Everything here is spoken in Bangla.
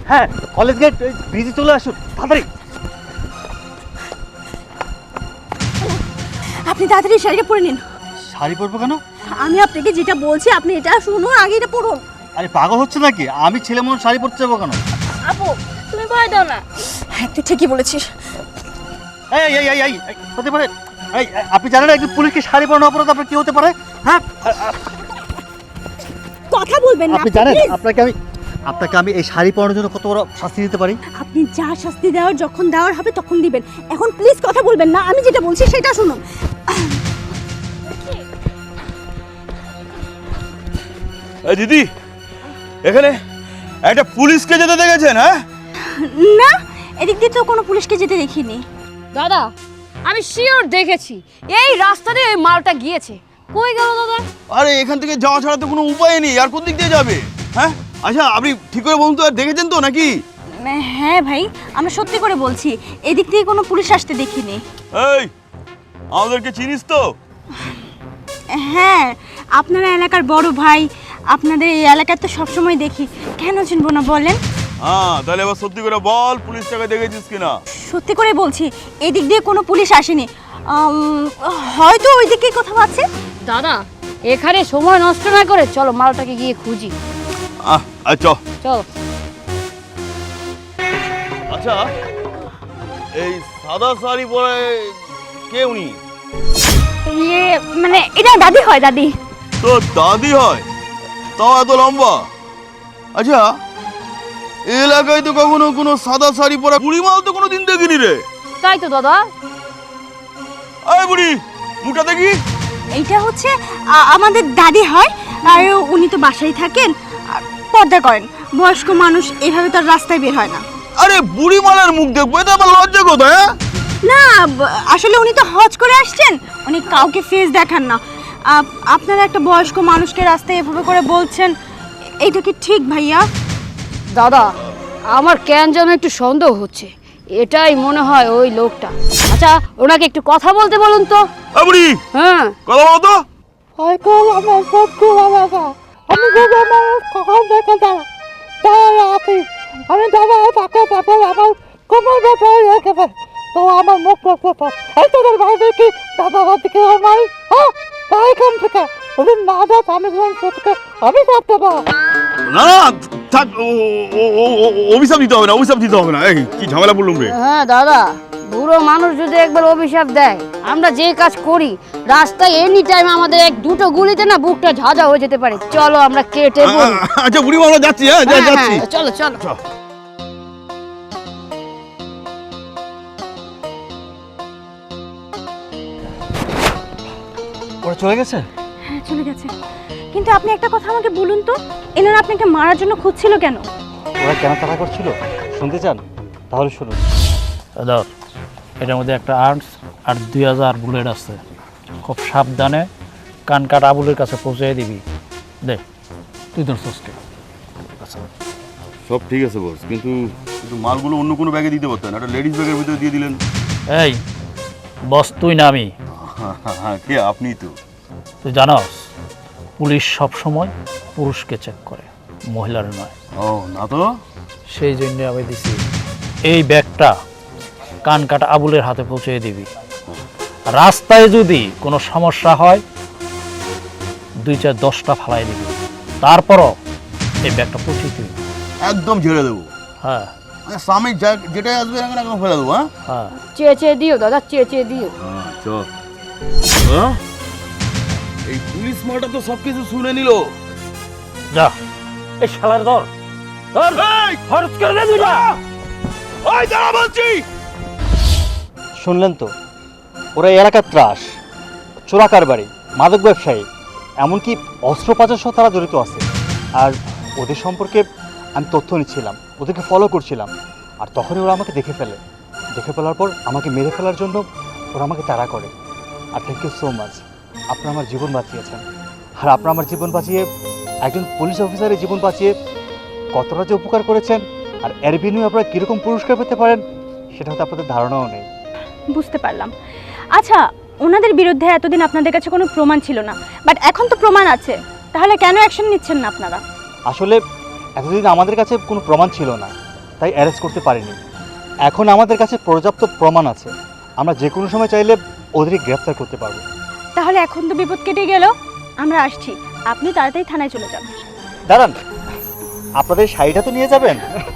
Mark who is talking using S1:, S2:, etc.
S1: হ্যাঁ, কলেজ গেট ব্রিজে চলে আসুন তাড়াতাড়ি।
S2: আপনি তাড়াতাড়ি শাড়িটা পরে নিন।
S1: শাড়ি পরবো কেন?
S2: আমি আপনাকে যেটা বলছি আপনি এটা শুনুন, আগে এটা পরুন।
S1: আরে পাগল হচ্ছে নাকি? আমি ছেলে মানুষ শাড়ি পরতে যাবো কেন?
S2: আপু তুমি ভয় দাও না। হ্যাঁ তুই ঠিকই বলেছিস।
S1: এই এই এই এই এই, হতে পারে এই আপনি জানেন একজন পুলিশকে শাড়ি পরানো অপরাধ আপনার কি হতে পারে? হ্যাঁ,
S2: কথা বলবেন না
S1: আপনি জানেন
S2: please।
S1: আপনাকে আমি এই শাড়ি পরানোর জন্য কত বড় শাস্তি দিতে পারি?
S2: আপনি যা শাস্তি দেওয়ার যখন দেওয়ার হবে তখন দিবেন। এখন প্লিজ কথা বলবেন না, আমি যেটা বলছি সেটা শুনুন।
S3: এই দিদি, এখানে একটা পুলিশকে যেতে দেখেছেন? হ্যাঁ
S2: না, এদিক দিয়ে তো কোনো পুলিশকে যেতে দেখিনি।
S4: দাদা আমি শিওর দেখেছি এই রাস্তা দিয়ে ওই মালটা গিয়েছে। কই গেল দাদা?
S3: আরে এখান থেকে যাওয়া ছাড়া তো কোনো উপায় নেই, আর কোন দিক দিয়ে যাবে? হ্যাঁ আচ্ছা আপনি ঠিক করে বলুন তো, আর দেখেছেন তো নাকি?
S2: হ্যাঁ ভাই, আমরা সত্যি করে বলছি এদিক দিয়ে কোনো পুলিশ আসতে দেখিনি।
S3: এই আমাদেরকে চিনিস তো?
S2: হ্যাঁ, আপনারা এলাকার বড় ভাই, আপনাদের এই এলাকায় তো সবসময় দেখি, কেন চিনবো না বলেন?
S3: হ্যাঁ তাহলে এবার সত্যি করে বল, পুলিশটাকে দেখেছিস কিনা?
S2: সত্যি করে বলছি এদিক দিয়ে কোনো পুলিশ আসেনি। হয়তো ওই দিকেই কোথাও আছে।
S4: দাদা এখানে সময় নষ্ট না করে চলো মালটাকে গিয়ে খুঁজি।
S3: আচ্ছা
S4: চলো।
S3: আচ্ছা এই সাদা শাড়ি পরে কে উনি?
S2: ইয়ে মানে এটা দাদি হয়, দাদি।
S3: তো দাদি হয়, তাও এত লম্বা? আচ্ছা এই এলাকায় তো কখনো কোনো সাদা শাড়ি পরা বুড়ি মাল তো কোনোদিন দেখিনি রে।
S4: তাই তো দাদা।
S3: এই বুড়ি মুখটা দেখি।
S2: এইটা হচ্ছে আমাদের দাদি হয়, আর উনি তো বাসায় থাকেন আর পর্দা করেন। বয়স্ক মানুষ এভাবে তো আর রাস্তায় বের হয় না।
S3: আরে বুড়ি মালের মুখ দেখবো, এটা আবার লজ্জা কোথায়? হ্যাঁ
S2: না, আসলে উনি তো হজ করে আসছেন, উনি কাউকে ফেস দেখান না। আপনারা একটা বয়স্ক মানুষকে রাস্তায় এভাবে করে বলছেন, এইটা কি ঠিক ভাইয়া?
S4: দাদা আমার কেন যেন একটু সন্দেহ হচ্ছে, এটাই মনে হয় ওই লোকটা। আচ্ছা ওনাকে একটু কথা বলতে বলুন তো।
S3: এই বুড়ি
S4: হ্যাঁ
S3: কথা বলো তো।
S5: আমি যদি আমার কখন দেখে যাই তাহলে আমি দাদা তাকে ব্যাপার আমার কোমর ব্যাপারে রেখেছে, তো আমার মুখ দেখতে এই তোদের ভাই কি দাদার দিকে আমার হ্যাঁ তাই এখান থেকে ওদের না দেখ আমি থেকে আমি করতে পারবো
S3: না না থাক, অভিশাপ দিতে হবে না, অভিশাপ দিতে হবে না। এই কি ঝামেলা বললুম রে।
S4: হ্যাঁ দাদা, বুড়ো মানুষ যদি একবার অভিশাপ দেয়, আমরা যে কাজ করি রাস্তায় এনি টাইম আমাদের এক দুটো গুলিতে না বুকটা ঝাঁঝা হয়ে যেতে পারে। চলো আমরা কেটে পড়ি।
S3: আচ্ছা বুড়ি আমরা যাচ্ছি। হ্যাঁ যাচ্ছি।
S4: চলো চলো।
S1: ওরা চলে গেছে?
S2: হ্যাঁ চলে গেছে, কিন্তু আপনি একটা কথা আমাকে বলুন তো, এনারা আপনাকে মারার জন্য খুঁজছিল কেন?
S1: ওরা কেন তাড়া করছিল শুনতে চান? তাহলে শুনুন।
S6: দাদা এটার মধ্যে একটা আর্মস আর 2000 বুলেট আছে, খুব সাবধানে কান কাটা আবুলের কাছে পৌঁছে দিবি। দে তুই তোর সোসকে।
S3: সব ঠিক আছে বস, কিন্তু মালগুলো অন্য কোনো ব্যাগে দিতে পারতেন, একটা লেডিস ব্যাগের ভিতরে দিয়ে দিলেন।
S6: এই বস তুই না আমি?
S3: হ্যাঁ কে? আপনি তো।
S6: তুই জানস পুলিশ সব সময় পুরুষকে চেক করে, মহিলার নয়।
S3: ও না তো।
S6: সেই জন্য আমি দিছি এই ব্যাগটা কান কাটা আবুলের হাতে পৌঁছে দিবি। রাস্তায় যদি কোনো সমস্যা হয় 2-4-10টা ফালাই দিবি, তারপরও এই ব্যাগটা পৌঁছে দিবি।
S3: একদম ঝেড়ে দেবো।
S6: হ্যাঁ
S3: স্বামী যেটাই আসবে না কেন ফেলে দেবো। হ্যাঁ
S6: হ্যাঁ
S4: চেঁচে দিও দাদা, চেঁচে দিও।
S3: চল। এই পুলিশ মালটা তো সবকিছু শুনে নিল।
S6: যা এই শালার ধর ধর খরচ করে দে দুইটা।
S3: ওই দাঁড়া বলছি।
S1: শুনলেন তো, ওরা এই এলাকার ত্রাস, চোরা কারবারি, মাদক ব্যবসায়ী, এমনকি অস্ত্র পাচার সহ তারা জড়িত আছে। আর ওদের সম্পর্কে আমি তথ্য নিচ্ছিলাম, ওদেরকে ফলো করছিলাম, আর তখনই ওরা আমাকে দেখে ফেলার পর আমাকে মেরে ফেলার জন্য ওরা আমাকে তাড়া করে। আর থ্যাংক ইউ সো মাচ, আপনারা আমার জীবন বাঁচিয়েছেন। আর আপনারা আমার জীবন বাঁচিয়ে, একজন পুলিশ অফিসারের জীবন বাঁচিয়ে কতটা যে উপকার করেছেন, আর এর বিনিময়ে আপনারা কীরকম পুরস্কার পেতে পারেন সেটা হয়তো আপনাদের ধারণাও নেই।
S2: বুঝতে পারলাম। আচ্ছা, ওনাদের বিরুদ্ধে এতদিন আপনাদের কাছে কোনো প্রমাণ ছিল না, বাট এখন তো প্রমাণ আছে, তাহলে কেন অ্যাকশন নিচ্ছেন না আপনারা?
S1: আসলে এতদিন আমাদের কাছে কোনো প্রমাণ ছিল না, তাই অ্যারেস্ট করতে পারিনি। এখন আমাদের কাছে পর্যাপ্ত প্রমাণ আছে, আমরা যে কোনো সময় চাইলে ওদেরকে গ্রেফতার করতে পারবো।
S2: তাহলে এখন তো বিপদ কেটে গেল, আমরা আসছি, আপনি তাড়াতাড়ি থানায় চলে যান।
S1: দাঁড়ান, আপনাদের শাড়িটা তো নিয়ে যাবেন।